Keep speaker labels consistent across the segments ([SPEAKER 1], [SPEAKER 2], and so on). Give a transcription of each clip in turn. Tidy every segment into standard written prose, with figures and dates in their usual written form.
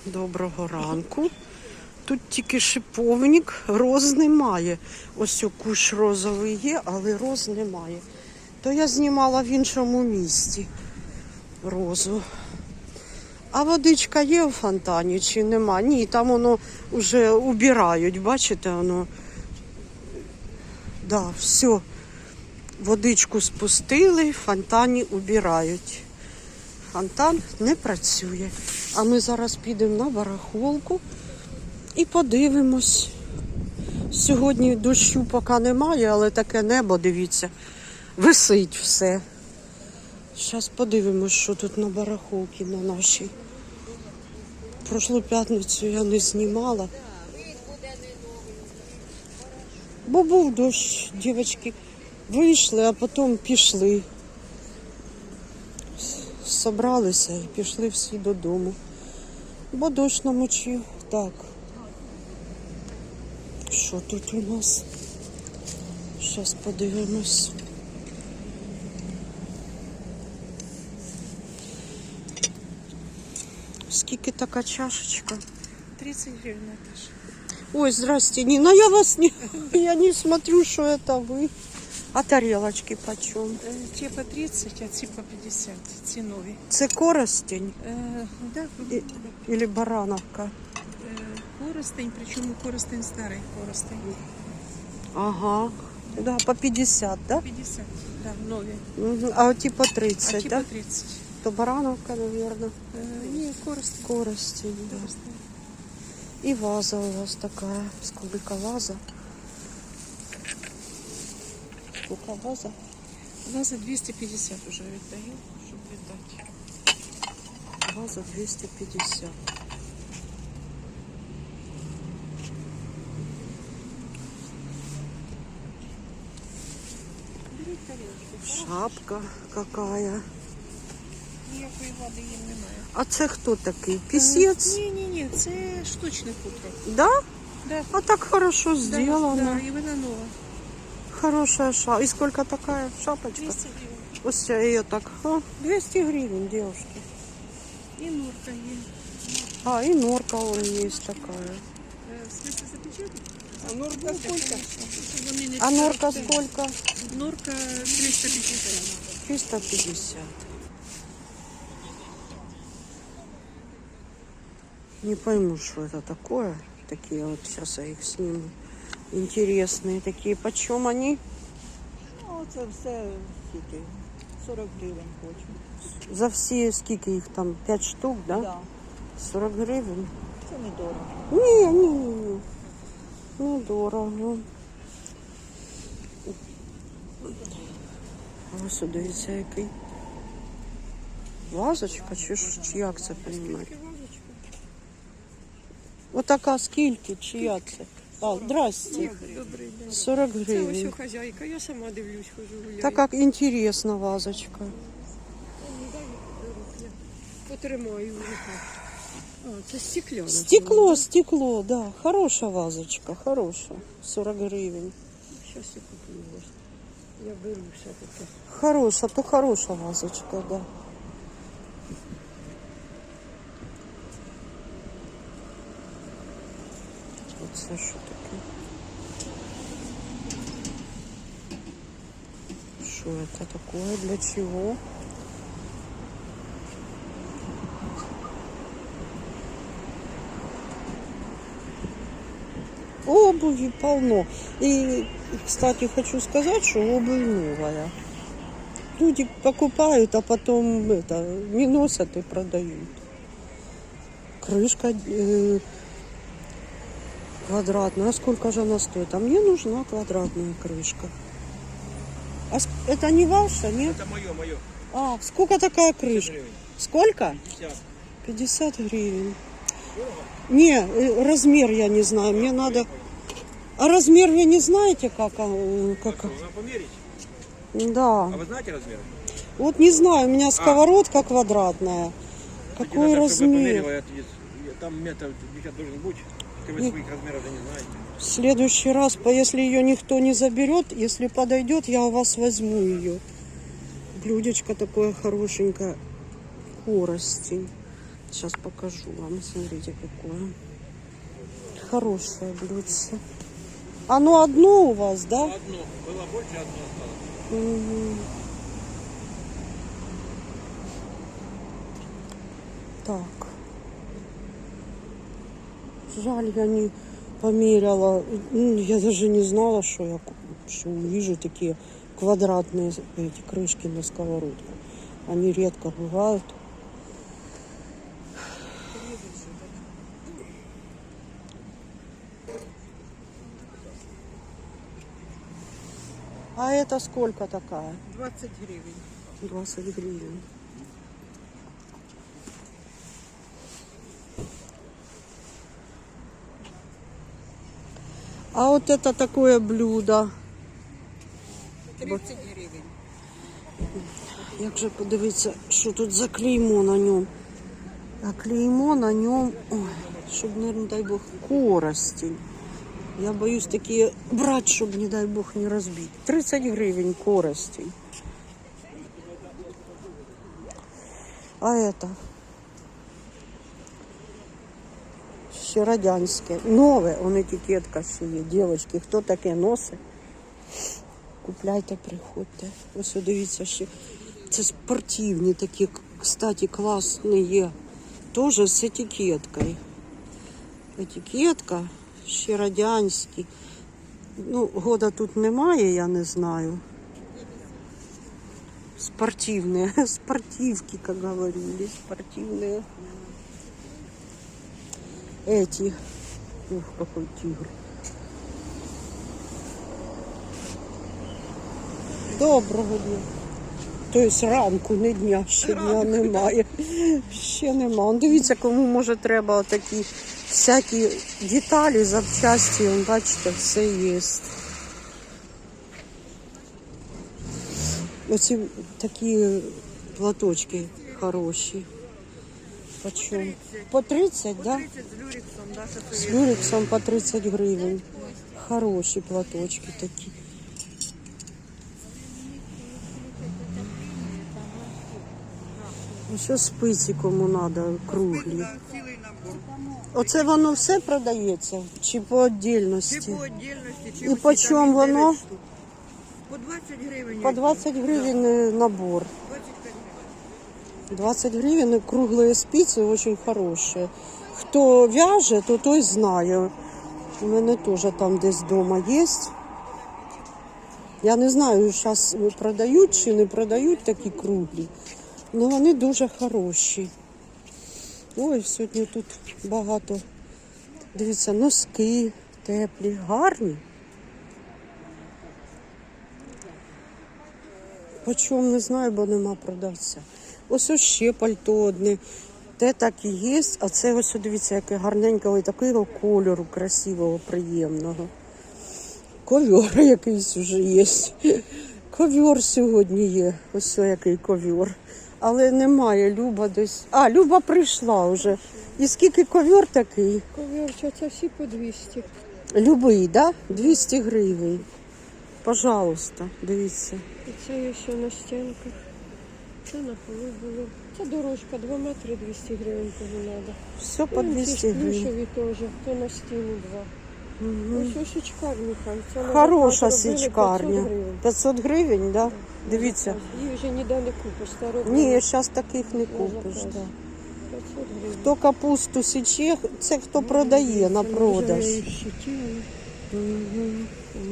[SPEAKER 1] Доброго ранку. Тут тільки шиповник, роз немає. Ось кущ розовий є, але роз немає. То я знімала в іншому місці розу. А водичка є у фонтані чи нема? Ні, там воно вже убирають, бачите, воно. Да, все. Водичку спустили, в фонтані убирають. Фонтан не працює. А ми зараз підемо на барахолку і подивимось. Сьогодні дощу поки немає, але таке небо, дивіться, висить все. Зараз подивимось, що тут на барахолці на нашій. Прошлу п'ятницю я не знімала. Бо був дощ, дівчатки вийшли, а потім пішли. Собралися і пішли всі додому. Бо дощ намочив. Так. Що тут у нас? Зараз подивимось. Скільки така чашечка?
[SPEAKER 2] 30 гривен, Наташа.
[SPEAKER 1] Ой, здрасте, Нина, я не смотрю, что это вы. А тарелочки почем?
[SPEAKER 2] Те по 30, а ці по 50. Ці нові.
[SPEAKER 1] Це коростень
[SPEAKER 2] Да,
[SPEAKER 1] или барановка?
[SPEAKER 2] коростень, причому коростень старий, коростень.
[SPEAKER 1] Ага. Да, по 50, да?
[SPEAKER 2] 50, да, нові.
[SPEAKER 1] Угу. А ті по 30,
[SPEAKER 2] А ті
[SPEAKER 1] да?
[SPEAKER 2] по 30.
[SPEAKER 1] То барановка, наверное.
[SPEAKER 2] Ні, коростень.
[SPEAKER 1] Коростень, да.
[SPEAKER 2] Коростень.
[SPEAKER 1] И ваза у вас такая. Сколько ваза? Сколько ваза?
[SPEAKER 2] Ваза 250 вже віддаю, щоб віддати.
[SPEAKER 1] Ваза 250.
[SPEAKER 2] Беріть тарілочку.
[SPEAKER 1] Шапка какая.
[SPEAKER 2] Ніякої води їм немає.
[SPEAKER 1] А це хто такий? Пісець?
[SPEAKER 2] Ні, це штучне хутро.
[SPEAKER 1] Да?
[SPEAKER 2] Да.
[SPEAKER 1] А так хорошо сделано.
[SPEAKER 2] Да, і вона нова.
[SPEAKER 1] Хорошая шапка. И сколько такая шапочка?
[SPEAKER 2] 200 гривень.
[SPEAKER 1] Вот я ее так. 200 гривен, девушки.
[SPEAKER 2] І норка є.
[SPEAKER 1] А, и норка вон есть такая.
[SPEAKER 2] В смысле запечатать? А норка сколько?
[SPEAKER 1] А норка сколько?
[SPEAKER 2] Норка 350.
[SPEAKER 1] 350. Не пойму, что это такое. Такие вот, сейчас я их сниму. Интересные такие. Почем они?
[SPEAKER 3] Ну, це все скільки? 40 гривень хочу.
[SPEAKER 1] За все, сколько их там? 5 штук, да?
[SPEAKER 3] Да.
[SPEAKER 1] 40 гривен?
[SPEAKER 3] Це недорого.
[SPEAKER 1] Не. Недорого. Ось дивіться, який. Вазочка, чи як це розуміти? Отака скільки, чия це? А, здрасте.
[SPEAKER 2] Добрий день.
[SPEAKER 1] 40
[SPEAKER 2] Це ось
[SPEAKER 1] гривень.
[SPEAKER 2] у хазяйка, я сама дивлюсь, хожу гуляю.
[SPEAKER 1] Так як інтересна вазочка.
[SPEAKER 2] Потримаю в руках. А, це стекляна.
[SPEAKER 1] Стекло, да. Хороша вазочка, хороша. 40 гривень.
[SPEAKER 2] Зараз я куплю вас. Я беру все-таки.
[SPEAKER 1] Хороша, то хороша вазочка, да. Оце що таке? Що це такое? Для чого? Обуви полно. И, кстати, хочу сказать, что обувь новая. Люди покупают, а потом не носят и продают. Крышка квадратная. Сколько же она стоит? А мне нужна квадратная крышка. А это не ваша, нет?
[SPEAKER 4] Это мое.
[SPEAKER 1] А, сколько такая крышка?
[SPEAKER 4] Гривень.
[SPEAKER 1] Сколько?
[SPEAKER 4] 50.
[SPEAKER 1] 50 гривен. Не, размер я не знаю. Мне надо... А размер вы не знаете, как?
[SPEAKER 4] Нужно померить.
[SPEAKER 1] Да.
[SPEAKER 4] А вы знаете размер?
[SPEAKER 1] Вот не знаю, у меня сковородка квадратная. Какой
[SPEAKER 4] Надо, чтобы
[SPEAKER 1] размер?
[SPEAKER 4] померила, там метр где-то должен быть. Если вы своих размеров не знаете.
[SPEAKER 1] В следующий раз, если ее никто не заберет, если подойдет, я у вас возьму ее. Блюдечко такое хорошенькое. Коростень. Сейчас покажу вам. Смотрите, какое. Хорошее блюдце. Оно одно у вас, да?
[SPEAKER 4] Одно. Было больше, одно осталось.
[SPEAKER 1] Мгм. Так. Жаль, я не померяла. Я даже не знала, что что увижу такие квадратные эти крышки на сковородку. Они редко бывают. А это сколько такая?
[SPEAKER 3] 20 гривень.
[SPEAKER 1] 20 гривен. А вот это такое блюдо.
[SPEAKER 3] 30 гривень.
[SPEAKER 1] Як же подивитися, що тут за клеймо на ньому. А клеймо на ньому, ой, щоб, не дай Бог, коростень. Я боюсь такі брати, щоб, не дай Бог, не розбити. 30 гривень коростень. А это? Ще радянське. Нове, он етикетка ще є. Дівчатки, хто таке носить? Купляйте, приходьте. Ось дивіться ще. Це спортивні такі, кстати, класні є. Тоже з етикеткою. Етикетка, ще радянські. Ну, года тут немає, я не знаю. Спортивные, спортивки, как говорили, спортивные. Эти. Ух, какой тигр. Доброго дня. Тобто ранку, не дня, ще дня немає. Ще нема. Дивіться, кому може треба отакі всякі деталі, запчасті. Бачите, все є. Оці такі платочки хороші. Почем? По 30, да?
[SPEAKER 3] 30 з люрексом, да, що
[SPEAKER 1] З люрексом по 30 гривень. Хороші платочки такі. Що спиці кому треба, круглі.
[SPEAKER 3] цілий набор.
[SPEAKER 1] Оце воно все продається? Чи по віддільності?
[SPEAKER 3] Чи по віддільності, чи
[SPEAKER 1] І
[SPEAKER 3] усі
[SPEAKER 1] по
[SPEAKER 3] там
[SPEAKER 1] чому
[SPEAKER 3] від
[SPEAKER 1] воно?
[SPEAKER 3] 9 штук. По 20 гривень.
[SPEAKER 1] По 20 гривень набор.
[SPEAKER 3] 25 гривень.
[SPEAKER 1] 20 гривен, и круглые спицы очень хорошие. Хто в'яже, то той знає. У мене теж там десь вдома є. Я не знаю, зараз продають чи не продають такі круглі. Але вони дуже хороші. Ой, сьогодні тут багато. Дивіться, носки теплі, гарні. Почому не знаю, бо нема продавця. Ось ще пальто одне. Те так і є, а це ось дивіться, яке гарненького і такого кольору красивого, приємного. Ковер якийсь вже є. Ковер сьогодні є. Ось який ковер. Але немає, Люба десь. А, Люба прийшла вже. І скільки ковер такий?
[SPEAKER 2] Ковірча, це всі по 200.
[SPEAKER 1] Любий, да? 200 гривень. Пожалуйста, дивіться.
[SPEAKER 2] І це є ще на стінках. Це на полу було. Це дорожка, 2 метри 200 гривень кому треба.
[SPEAKER 1] Все по 200 гривень.
[SPEAKER 2] Плюшеві теж, то на стіну 2. Ось ось січкарні хай. Це на
[SPEAKER 1] Хороша
[SPEAKER 2] заказ робили 500
[SPEAKER 1] січкарня.
[SPEAKER 2] гривень.
[SPEAKER 1] 500 гривень, да? Дивіться.
[SPEAKER 2] Її вже ніде не купиш. Стару
[SPEAKER 1] Ні, зараз таких не купиш.
[SPEAKER 2] заказ.
[SPEAKER 1] Да.
[SPEAKER 2] 500 гривень.
[SPEAKER 1] Хто капусту січе, це хто продає на продаж. Мгм.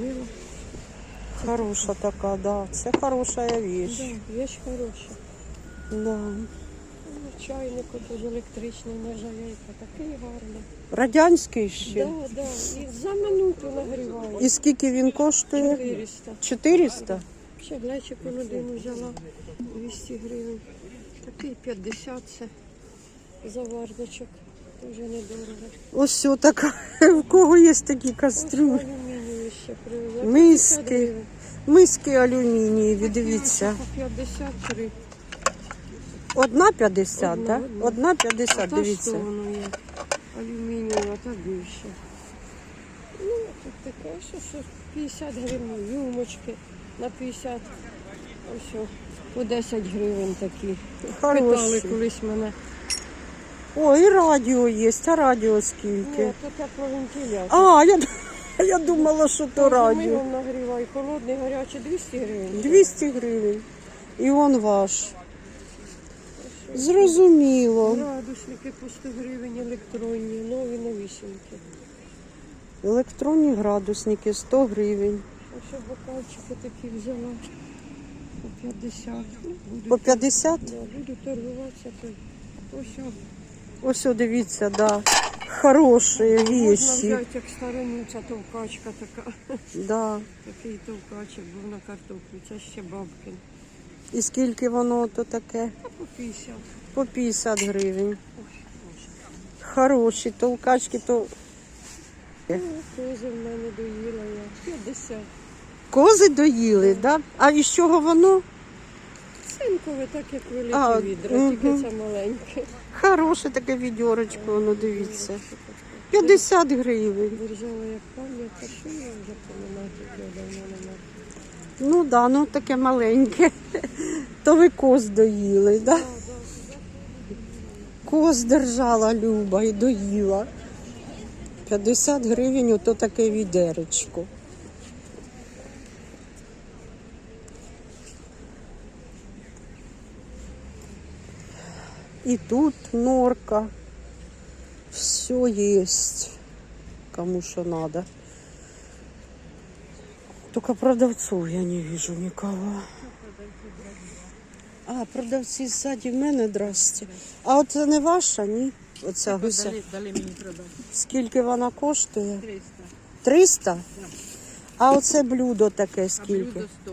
[SPEAKER 1] Хороша така, да. Це хороша вещь.
[SPEAKER 2] Да, вещь хороша.
[SPEAKER 1] Да.
[SPEAKER 2] Чайник теж електричний, нержавейка, такий гарний.
[SPEAKER 1] Радянський ще.
[SPEAKER 2] Да, да. І за минуту нагріває.
[SPEAKER 1] І скільки він коштує?
[SPEAKER 2] 400.
[SPEAKER 1] 400?
[SPEAKER 2] Ще глечик один взяла 200 гривень. Такий 50 це заварничок. Дуже недорого.
[SPEAKER 1] Ось все така. В кого є такі кастрюлі?
[SPEAKER 2] Ось алюмінієві ще привезла. 50
[SPEAKER 1] Миски.
[SPEAKER 2] гривень.
[SPEAKER 1] Миски алюмінієві, дивіться.
[SPEAKER 2] По 53.
[SPEAKER 1] Одна 50,
[SPEAKER 2] Одна,
[SPEAKER 1] так?
[SPEAKER 2] одна.
[SPEAKER 1] Одна 50,
[SPEAKER 2] А та
[SPEAKER 1] дивіться.
[SPEAKER 2] що воно є? Алюмінієва, та більше. Ну, тут таке, що 50 гривень, юмочки на 50. Ось о, по 10 гривень такі.
[SPEAKER 1] Хороші.
[SPEAKER 2] Питали колись мене.
[SPEAKER 1] О, і радіо є, а радіо скільки?
[SPEAKER 2] Ні, то тепловентилятор.
[SPEAKER 1] А, я думала, що то радіо.
[SPEAKER 2] Мигом нагрівай, холодний, гарячий 200 гривень.
[SPEAKER 1] 200 гривень. І он ваш. Зрозуміло.
[SPEAKER 2] Градусники по 100 гривень електронні, нові новісінькі.
[SPEAKER 1] Електронні градусники 100 гривень.
[SPEAKER 2] А ще бокальчики такі взяла по 50.
[SPEAKER 1] По 50?
[SPEAKER 2] Да, буду торгуватися, то ось
[SPEAKER 1] Ось, о, дивіться, да. Хороші
[SPEAKER 2] можна
[SPEAKER 1] вещи.
[SPEAKER 2] взяти як старониця товкачка така.
[SPEAKER 1] Да.
[SPEAKER 2] Такий товкачик був на картоплю, це ще бабкин.
[SPEAKER 1] І скільки воно то таке?
[SPEAKER 2] А по 50.
[SPEAKER 1] По 50 гривень. Хороші толкачки, то
[SPEAKER 2] Кози в мене доїла я. 50.
[SPEAKER 1] кози доїли, да? А із чого воно?
[SPEAKER 2] Цинкове, так як велике
[SPEAKER 1] А,
[SPEAKER 2] відро, тільки
[SPEAKER 1] мгм.
[SPEAKER 2] це маленьке.
[SPEAKER 1] Хороше таке відьорочко, воно дивіться. 50 гривень.
[SPEAKER 2] Держала як пам'ять, а що я вже поминати давно нема.
[SPEAKER 1] Ну да, ну таке маленьке. То ви коз доїли, да? Коз держала Люба і доїла. 50 гривень ото таке відеречко. І тут норка. Все есть. Кому что надо. Только продавцов я не вижу никого. А, продавці ззаді в мене, здрасте. А от це не ваша, ні? Оця гуся.
[SPEAKER 3] Дали мені продати.
[SPEAKER 1] Скільки вона коштує?
[SPEAKER 3] 300.
[SPEAKER 1] 300? А оце блюдо таке скільки?
[SPEAKER 3] 100.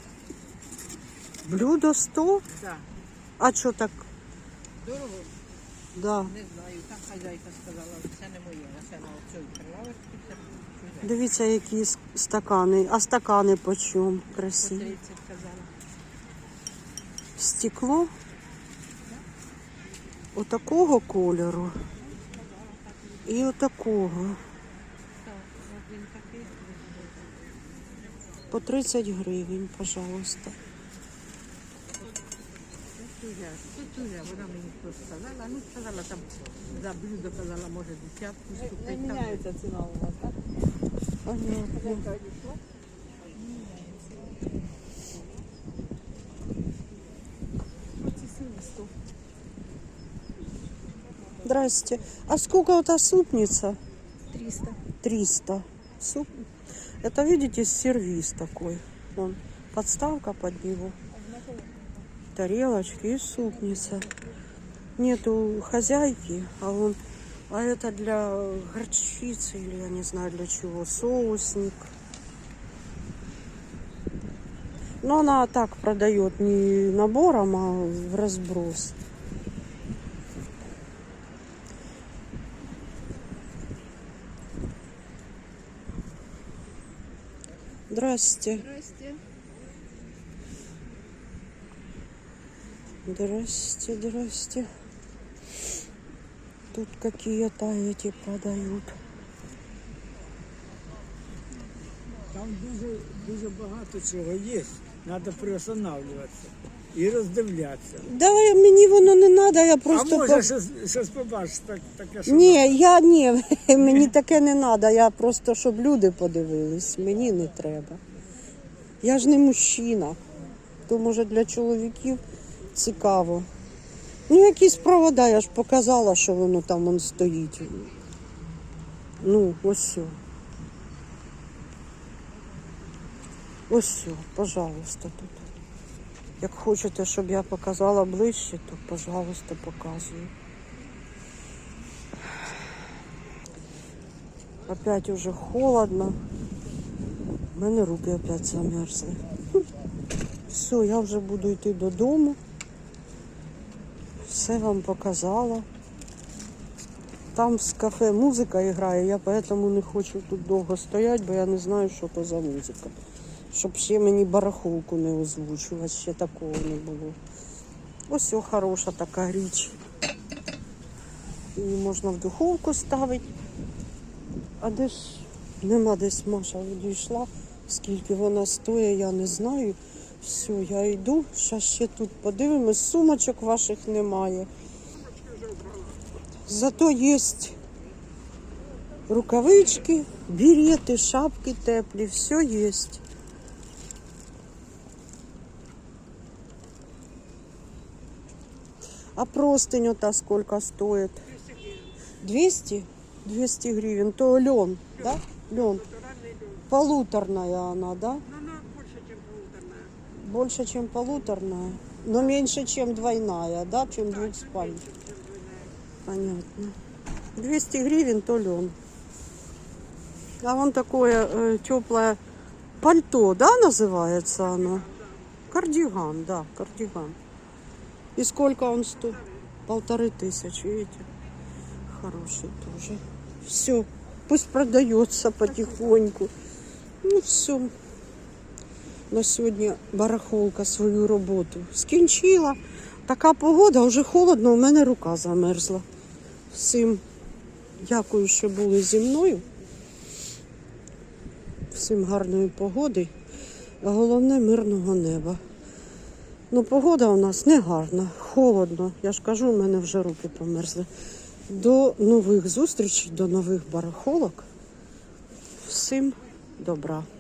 [SPEAKER 1] Блюдо 100?
[SPEAKER 3] Так.
[SPEAKER 1] А що так?
[SPEAKER 3] Дорого?
[SPEAKER 1] Да.
[SPEAKER 3] Не знаю. Там хазяйка сказала, це не моє, а це на оцю прилавочку.
[SPEAKER 1] Дивіться, які стакани. А стакани по чому? Красиві.
[SPEAKER 3] 30 казала.
[SPEAKER 1] Стекло отакого кольору і отакого.
[SPEAKER 3] Так, от він такий.
[SPEAKER 1] По 30 гривень, пожалуйста.
[SPEAKER 3] Тут уже, вона мені просто сказала. Ну, сказала там, за блюдо казала, може, десятку ступити. Міняється ціна у вас, так?
[SPEAKER 1] Понятно. Здрасте. А сколько эта супница?
[SPEAKER 3] 300.
[SPEAKER 1] 300. Суп. Это, видите, сервиз такой. Вон, подставка под него. Тарелочки и супница. Нету хозяйки, а это для горчицы или я не знаю для чего. Соусник. Но она так продает не набором, а в разброс. Здрасте.
[SPEAKER 3] Здрасте.
[SPEAKER 1] Здрасте, здрасте. Тут какие-то эти продают.
[SPEAKER 5] Там дуже багато чого є. Треба приостанавливатися і роздивлятися.
[SPEAKER 1] Да, мені воно не треба, я
[SPEAKER 5] А
[SPEAKER 1] просто...
[SPEAKER 5] може щось побачиш таке, що
[SPEAKER 1] Ні, мені таке не треба, я просто, щоб люди подивились, мені не треба. Я ж не мужчина, то може для чоловіків цікаво. Ну, якісь провода, я ж показала, що воно там вон стоїть. Ну, ось все. Ось все, пожалуйста, тут. Як хочете, щоб я показала ближче, то, пожалуйста, показую. Опять уже холодно. У мене руки опять замерзли. Все, я вже буду йти додому. Все вам показала. Там з кафе музика грає, я поэтому не хочу тут довго стояти, бо я не знаю, що то за музика. Щоб ще мені барахолку не озвучувати, ще такого не було. Ось о, хороша така річ. Її можна в духовку ставити. А де ж нема десь Маша відійшла. Скільки вона стоїть, я не знаю. Все, я йду. Зараз ще тут подивимось. Сумочок ваших немає. Зато есть рукавички, береты, шапки теплі, все есть. А простынь ота сколько стоит? 200? 200 гривен. То лен, да? Лен. Полуторная она, да? Больше, чем полуторная. Но меньше, чем двойная, да? Чем двухспальная. Понятно. 200 гривен то лен. А вон такое теплое пальто, да, называется оно? Кардиган, да, кардиган. И сколько он стоит? 1500, видите? Хороший тоже. Все, пусть продается потихоньку. Ну все. На сьогодні барахолка свою роботу скінчила. Така погода, вже холодно, у мене рука замерзла. Всім дякую, що були зі мною. Всім гарної погоди, а головне мирного неба. Ну, погода у нас не гарна, холодно. Я ж кажу, у мене вже руки померзли. До нових зустрічей, до нових барахолок. Всім добра.